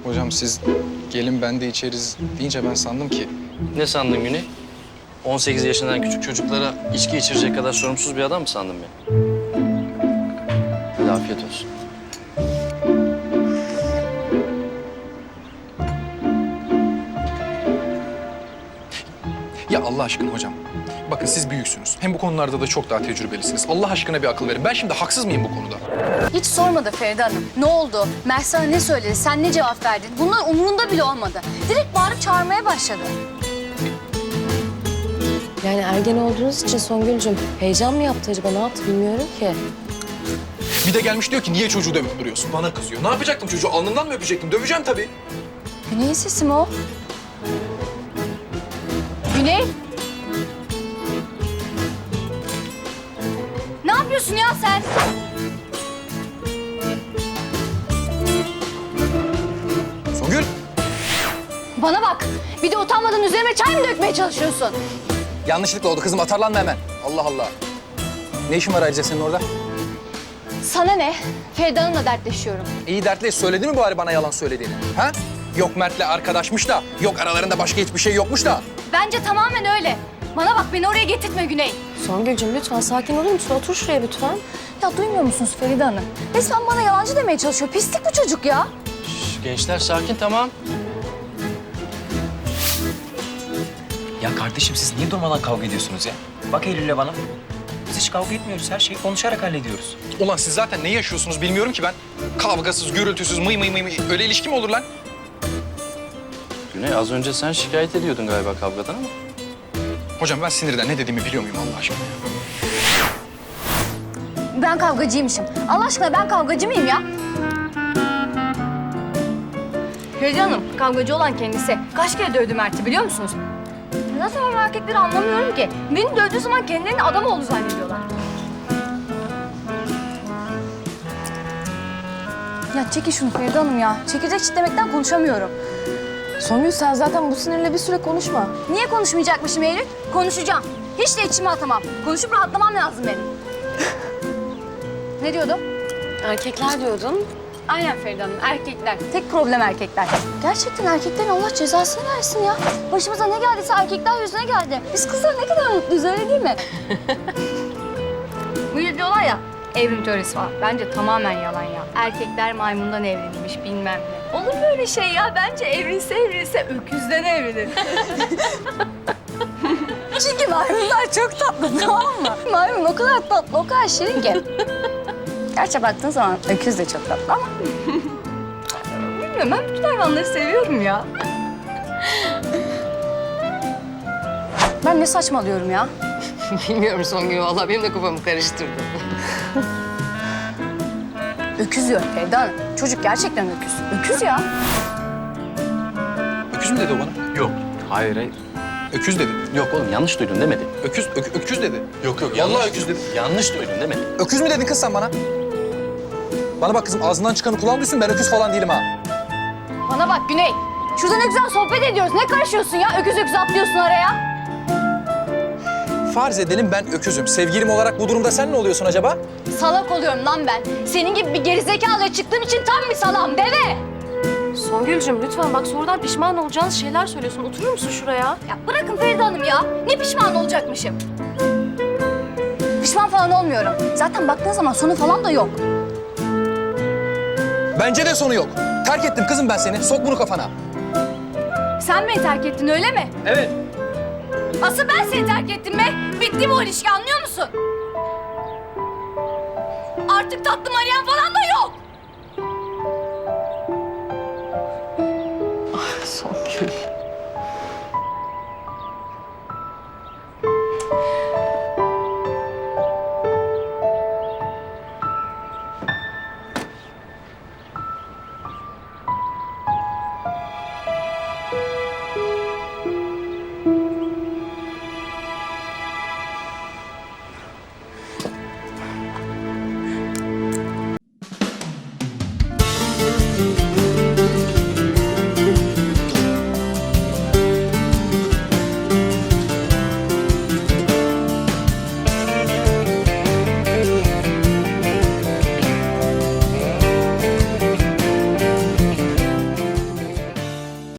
Hocam siz gelin ben de içeriz deyince ben sandım ki... Ne sandın Güney? 18 yaşından küçük çocuklara içki içirecek kadar sorumsuz bir adam mı sandın beni? Hadi afiyet olsun. Ya Allah aşkına hocam. Bakın siz büyüksünüz. Hem bu konularda da çok daha tecrübelisiniz. Allah aşkına bir akıl verin. Ben şimdi haksız mıyım bu konuda? Hiç sormadı Feride Hanım. Ne oldu? Mert sana ne söyledi? Sen ne cevap verdin? Bunlar umurunda bile olmadı. Direkt bağırıp çağırmaya başladı. Yani ergen olduğunuz için Songül'cüm heyecan mı yaptı acaba? Ne yaptı bilmiyorum ki. Bir de gelmiş diyor ki niye çocuğu dövüp duruyorsun? Bana kızıyor. Ne yapacaktım çocuğu? Alnından mı öpecektim? Döveceğim tabii. Güney'in sesi mi o? Güney? Ne yapıyorsun ya sen? Songül. Bana bak. Bir de utanmadan üzerime çay mı dökmeye çalışıyorsun? Yanlışlıkla oldu kızım. Atarlanma hemen. Allah Allah. Ne işin var ayrıca senin orada? Sana ne? Feride Hanım'la dertleşiyorum. İyi dertli. Söyledi mi bari bana yalan söylediğini? Ha? Yok Mert'le arkadaşmış da, yok aralarında başka hiçbir şey yokmuş da. Bence tamamen öyle. Bana bak beni oraya getirtme Güney. Songül'cüm lütfen sakin olur musun? Otur şuraya lütfen. Ya duymuyor musunuz Feride Hanım? Resmen bana yalancı demeye çalışıyor. Pislik bu çocuk ya. Şş, gençler sakin tamam. Ya kardeşim siz niye durmadan kavga ediyorsunuz ya? Bak Eylül'le bana. Biz hiç kavga etmiyoruz. Her şeyi konuşarak hallediyoruz. Ulan siz zaten ne yaşıyorsunuz bilmiyorum ki ben. Kavgasız, gürültüsüz, mıy mıy mıy mıy. Öyle ilişki mi olur lan? Güney az önce sen şikayet ediyordun galiba kavgadan ama. Hocam ben sinirden ne dediğimi biliyor muyum Allah aşkına ya? Ben kavgacıymışım. Allah aşkına ben kavgacı mıyım ya? Feride Hanım, kavgacı olan kendisi. Kaç kere dövdü Mert'i biliyor musunuz? Nasıl ben erkekleri anlamıyorum ki. Beni dövdüğü zaman kendilerini adam oldu zannediyorlar. Ya çekin şunu Feride Hanım ya. Çekirdek çitlemekten konuşamıyorum. Songül sen zaten bu sinirle bir süre konuşma. Niye konuşmayacakmışım Eylül? Konuşacağım. Hiç de içime atamam. Konuşup rahatlamam lazım benim. Ne diyordum? Erkekler diyordun. Aynen Feride Hanım, erkekler. Tek problem erkekler. Gerçekten erkeklerin Allah cezasını versin ya. Başımıza ne geldiyse erkekler yüzüne geldi. Biz kızlar ne kadar mutluyuz öyle değil mi? Bu diyorlar ya, evrim teorisi var. Bence tamamen yalan ya. Erkekler maymundan evrilmiş bilmem ne. Olur mu öyle şey ya? Bence evrilse öküzden evrilir. Çünkü maymunlar çok tatlı tamam mı? Maymun o kadar tatlı, o kadar şirin ki. Gerçi baktığın zaman öküz de çok tatlı ama... Bilmiyorum, ben bütün hayvanları seviyorum ya. Ben ne saçmalıyorum ya? Bilmiyorum Songül vallahi benim de kafamı karıştırdı. Öküz diyor Feride Hanım. Çocuk gerçekten öküz. Öküz ya. Öküz mü dedi o bana? Yok. Hayır hayır. Öküz dedi. Yok oğlum yanlış duydun demedi. Öküz dedi. Yok yok Vallahi öküz dedi. Yanlış duydun demedi. Öküz mü dedin kız sen bana? Bana bak kızım ağzından çıkanı kulağın duysun ben öküz falan değilim ha. Bana bak Güney. Şurada ne güzel sohbet ediyoruz. Ne karışıyorsun ya? Öküz öküz atlıyorsun araya. Farz edelim ben öküzüm. Sevgilim olarak bu durumda sen ne oluyorsun acaba? Salak oluyorum lan ben. Senin gibi bir gerizekalıya çıktığım için tam bir salam deve. Songül'cüm lütfen bak sonradan pişman olacağınız şeyler söylüyorsun. Oturur musun şuraya? Ya bırakın Feride Hanım ya. Ne pişman olacakmışım? Pişman falan olmuyorum. Zaten baktığın zaman sonu falan da yok. Bence de sonu yok. Terk ettim kızım ben seni. Sok bunu kafana. Sen beni terk ettin öyle mi? Evet. Asıl ben seni terk ettim be. Bitti bu ilişki anlıyor musun? Artık tatlım arayan falan da yok. Songül.